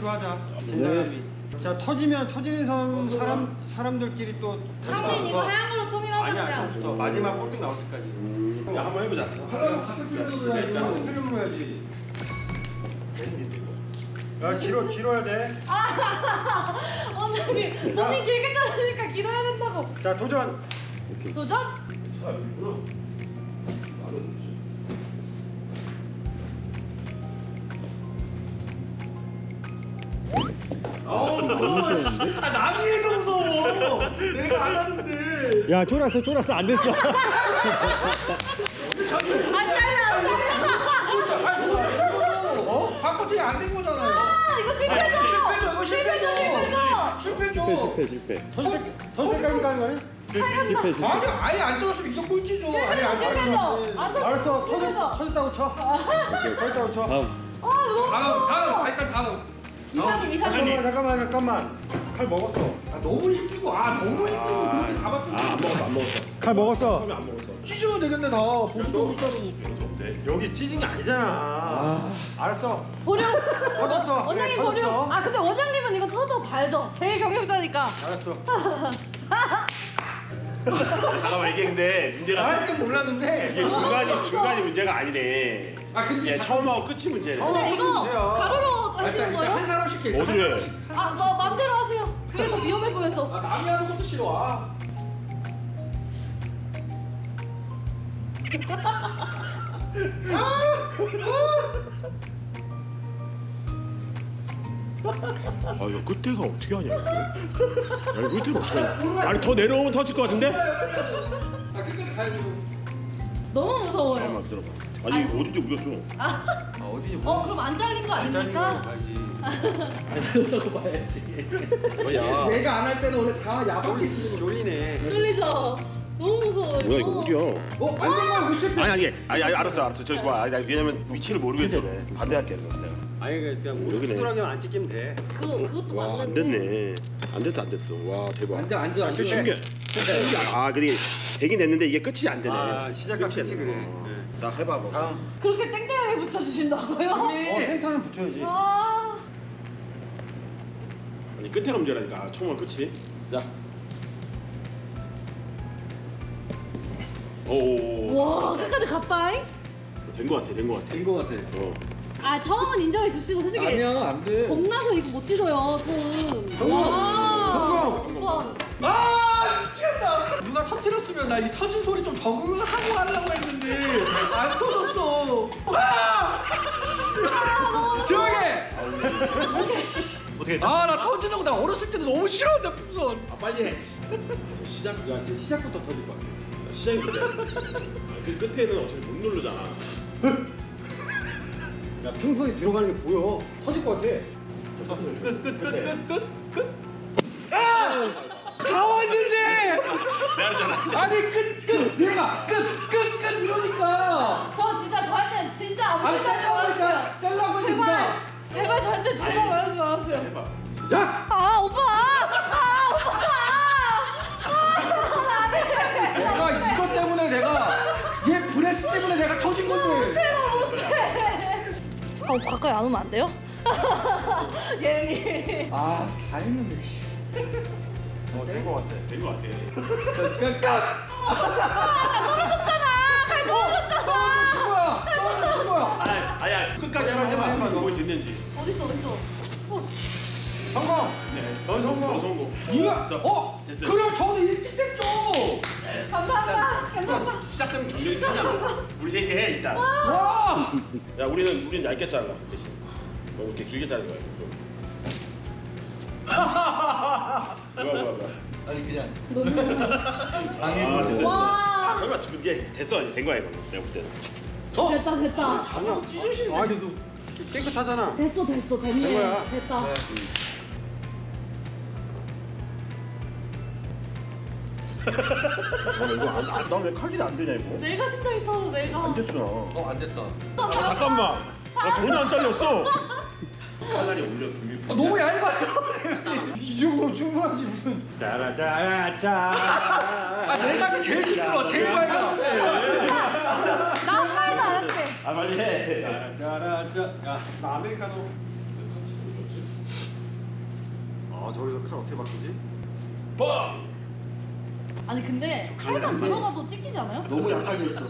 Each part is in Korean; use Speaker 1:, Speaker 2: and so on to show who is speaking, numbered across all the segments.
Speaker 1: 걸로 하자. 진사람이. 자 터지면 터지는 사람들끼리 또
Speaker 2: 형님 이거 하얀 걸로 통일하자
Speaker 1: 아니야.
Speaker 2: 그냥.
Speaker 1: 또 마지막 꼴등 나올 때까지.
Speaker 3: 야, 한번 해보자.
Speaker 1: 같은 필름으로 해야지. 같은 필름으로 해야지. 야 길어야 돼.
Speaker 2: 원장님 손이 길게 자르니까 길어야 된다고.
Speaker 1: 자 도전.
Speaker 2: 도전?
Speaker 3: 너무 쉬웠는데? 아, 남이 해도 무서워. 내가 안 하는데.
Speaker 1: 야 쫄았어 안 됐어.
Speaker 2: 안 잘라 안 잘라.
Speaker 4: 어? 바꿔도 안된 거잖아요.
Speaker 2: 아 이거 실패죠.
Speaker 4: 이거 실패죠.
Speaker 2: 실패죠.
Speaker 3: 실패.
Speaker 1: 선택까지 가는 거야?
Speaker 2: 실패.
Speaker 4: 아니 아예 안 들었으면 이거 꼴찌죠. 아예 안
Speaker 2: 실패죠. 안
Speaker 1: 알았어
Speaker 2: 실패죠.
Speaker 1: 터졌다고 쳐. 터졌다고 쳐.
Speaker 4: 다음 일단 다음.
Speaker 2: 이사님.
Speaker 1: 잠깐만. 칼 먹었어.
Speaker 4: 아, 너무 힘주고 너무 힘주고 그렇게 잡았더니
Speaker 3: 안 먹었어.
Speaker 1: 칼 먹었어.
Speaker 3: 처음에 안 먹었어.
Speaker 4: 찢어도 되겠네 다. 보수도 못 자르고.
Speaker 3: 변수 없대.
Speaker 1: 여기 찢은 게 아니잖아. 알았어.
Speaker 2: 보려.
Speaker 1: 터졌어.
Speaker 2: 원장님
Speaker 1: 그래,
Speaker 2: 보려.
Speaker 1: 터졌어.
Speaker 2: 아 근데 원장님은 이거 터도 발죠. 제일 경력자니까.
Speaker 1: 알았어.
Speaker 3: 잠깐만 이게 근데 문제가
Speaker 4: 나할줄 몰랐는데.
Speaker 3: 이게 중간이 문제가 아니네.
Speaker 4: 아 근데
Speaker 3: 예, 처음하고 끝이 문제네.
Speaker 2: 근데 이거
Speaker 1: 문제야.
Speaker 2: 가로로 하시는
Speaker 4: 일단
Speaker 2: 거예요?
Speaker 4: 한 사람씩 해.
Speaker 3: 어디로 해?
Speaker 2: 뭐 맘대로 하세요. 그게 더 위험해 보여서.
Speaker 4: 남이 하는 것도 싫어.
Speaker 3: 아 이거 끝에가 어떻게 하냐 이거. 야 이거 끝에가 어떻게 하냐. 아니 더 내려오면 터질 것 같은데?
Speaker 4: 끝까지 가야 되고.
Speaker 2: 너무 무서워요.
Speaker 3: 잠깐만 기다려봐. 아니 이거 어딘지 모르겠어.
Speaker 1: 어디지?
Speaker 2: 그럼 안 잘린 거 아닙니까?
Speaker 3: 뭐야?
Speaker 4: 내가 안 할 때는 원래 다 야박해 지는 거.
Speaker 1: 졸리네.
Speaker 2: 뚫리죠? 너무 무서워요.
Speaker 3: 뭐야 이거 어디야?
Speaker 4: 안된거 이거 실패.
Speaker 3: 아니 알았어 저기 봐. 아니, 왜냐면 위치를 모르겠어. 반대할게 내가.
Speaker 1: 아니 그냥 우리
Speaker 3: 여기네.
Speaker 1: 두드러기만 안 찍히면 돼.
Speaker 2: 그것도
Speaker 3: 와 안
Speaker 2: 맞는데.
Speaker 3: 됐네. 안 됐어. 와 대박.
Speaker 4: 앉아.
Speaker 3: 신기해. 아 근데 되긴 됐는데 이게 끝이 안 되네.
Speaker 1: 아, 시작과
Speaker 3: 끝이 안
Speaker 1: 끝이
Speaker 3: 되네.
Speaker 1: 그래.
Speaker 3: 자 해봐 뭐.
Speaker 1: 다음.
Speaker 2: 그렇게 땡땡하게 붙여주신다고요?
Speaker 1: 센터는 붙여야지.
Speaker 2: 아,
Speaker 3: 아니 끝에가 문제라니까. 처음은 끝이. 자. 오.
Speaker 2: 와 끝까지 갔다잉?
Speaker 3: 된거 같아.
Speaker 4: 된거 같아.
Speaker 2: 아 처음은 인정해 줍시고 솔직히
Speaker 4: 아니야 안 돼.
Speaker 2: 겁나서 이거 못 찢어요 손.
Speaker 1: 성공!
Speaker 2: 와.
Speaker 1: 성공!
Speaker 2: 오빠.
Speaker 4: 미치겠다. 누가 터뜨렸으면 나 이 터진 소리 좀 적응을 하고 하려고 했는데 안 터졌어. 조용히 해.
Speaker 3: 어떻게?
Speaker 4: 나 터지는 거 나 어렸을 때는 너무 싫었는데 풍선.
Speaker 3: 빨리 해. 시작.
Speaker 1: 야 지금 시작부터 터질 거야.
Speaker 3: 시작이 문제야. 그 끝에는 어차피 못 누르잖아.
Speaker 1: 야 풍선이 들어가는 게 보여. 터질 것 같아.
Speaker 4: 끝. 다 왔는데.
Speaker 3: 내가 하잖아.
Speaker 4: 아니 끝. 얘가 끝 이러니까.
Speaker 2: 저 진짜 저한테는 진짜 아무
Speaker 4: 아니
Speaker 2: 생각 안 했어요.
Speaker 4: 떼려고 했으니까.
Speaker 2: 제발 저한테 제발 말하지 마세요.
Speaker 3: 해봐.
Speaker 1: 야!
Speaker 2: 아 오빠.
Speaker 4: 내가 이것 때문에 얘 브레스 때문에 내가 터진 건데.
Speaker 2: 가까이 안 오면 안 돼요? 예미.
Speaker 4: 다 했는데.
Speaker 1: 된 것 같아.
Speaker 3: 된 거 같아.
Speaker 4: 끝.
Speaker 2: 떨어졌잖아. 갈 떨어졌잖아.
Speaker 4: 떨어진 거야.
Speaker 3: 아야 끝까지 한번 해봐. 뭐 됐는지.
Speaker 2: 어딨어?
Speaker 1: 성공!
Speaker 3: 네.
Speaker 1: 넌 성공.
Speaker 3: 너 성공.
Speaker 4: 이거
Speaker 3: 됐어요.
Speaker 4: 그럼 저는 일찍 됐죠.
Speaker 2: 감사합니다.
Speaker 3: 시작하면 경력이 크잖아. 우리 셋이 해 일단.
Speaker 4: 와.
Speaker 3: 야 우리는 얇게 잘라 대신. 너 이렇게 길게 자른 거야. 좀. 뭐야.
Speaker 4: 아니 그냥.
Speaker 3: 됐어.
Speaker 2: 와.
Speaker 3: 설마 이게 됐어 된 거야 이거. 내가 볼 때는.
Speaker 2: 됐다.
Speaker 1: 아니야. 아니 너 깨끗하잖아.
Speaker 2: 됐어. 됐네.
Speaker 1: 된 거야.
Speaker 2: 됐다.
Speaker 3: 이거 나왜 칼질이 안 되냐 이거?
Speaker 2: 내가 심장이 터서 내가.
Speaker 3: 안 됐구나.
Speaker 4: 안 됐다.
Speaker 3: 잠깐만. 나 전혀 안 잘렸어. 칼날이 올려 등이.
Speaker 4: 너무 얇아요.
Speaker 1: 이 정도 충분하지 무슨. 짜라짜라짜.
Speaker 4: 내가 제일 시끄러. 제일 얇아.
Speaker 2: 나 한 마디도 안 했대.
Speaker 3: 아 빨리 해.
Speaker 1: 짜라짜. 야, 나 아메리카노. 저기서 칼 어떻게 바꾸지?
Speaker 2: 아니 근데 칼만 들어가도 찍히지 않아요?
Speaker 4: 너무 약하게 했어.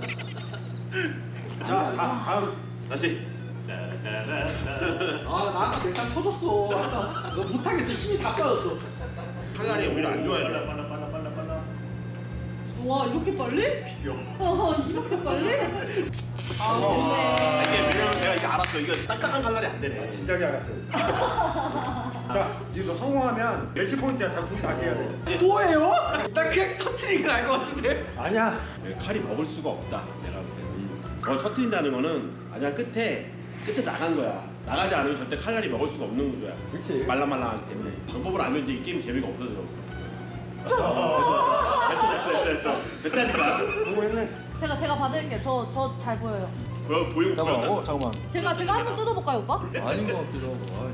Speaker 1: 자, 다음.
Speaker 3: 다시.
Speaker 4: 아 나한테 내상 터졌어. 아까 너 못하겠어. 힘이 다 빠졌어.
Speaker 3: 칼날이 오히려 안 좋아요.
Speaker 2: 와 이렇게 빨리?
Speaker 3: 비벼.
Speaker 2: 이렇게 빨리? 아
Speaker 3: 이게
Speaker 2: 근데
Speaker 3: 왜냐면 내가 이게 알았어. 이거 딱딱한 칼날이 안 되네.
Speaker 1: 진작에 알았어요. 자, 이제 너 성공하면 매치 포인트야. 다 둘이 다시 해야 돼.
Speaker 4: 뭐예요? 나 그냥 터트린 걸 알 것 같은데.
Speaker 1: 아니야.
Speaker 3: 칼이 먹을 수가 없다. 내가 볼 때는. 터트린다는 거는 마지막 끝에 나간 거야. 나가지 않으면 절대 칼날이 먹을 수가 없는 구조야.
Speaker 1: 그렇지.
Speaker 3: 말랑말랑하기 때문에. 방법을 알면 이제 이 게임 재미가 없어져. 됐어. 됐다니까.
Speaker 1: 성공했네.
Speaker 2: 제가 봐드릴게요. 저 잘 보여요.
Speaker 3: 보이고 보여.
Speaker 4: 잠깐만.
Speaker 2: 제가 한번 뜯어볼까요 오빠?
Speaker 4: 아닌 것 같기도 하고.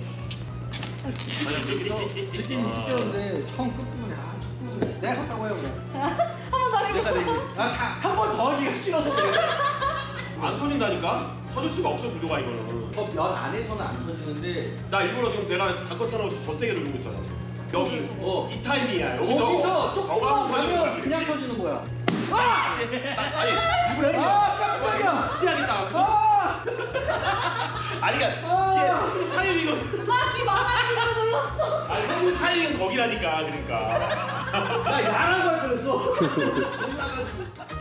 Speaker 4: 느낌이 찢겼는데 처음 끝부분에 첫 부분에 내가 샀다고 해요 그냥.
Speaker 2: 한번 더
Speaker 4: 내가
Speaker 2: 해볼까요?
Speaker 4: 한 번 더 하기가 싫어서 그래.
Speaker 3: 안 터진다니까? 터질 수가 없어 구조가 이거는.
Speaker 4: 면 안에서는 안 터지는데
Speaker 3: 나 일부러 지금 내가 닭것처럼 더 세게 누르고 있어. 여기 이 타임이야.
Speaker 4: 거기서
Speaker 3: 더가면
Speaker 4: 조금만 가면 그냥 터지는 거야. 아!
Speaker 3: 아니
Speaker 4: 깜짝이야.
Speaker 3: 피하겠다.
Speaker 4: 아!
Speaker 3: 아니 그러니까 이게 타이밍은
Speaker 2: 나귀 막아주기로 눌렀어.
Speaker 3: 아니 타이밍은 거기라니까 그러니까.
Speaker 4: 나 야라고 할 뻔했어.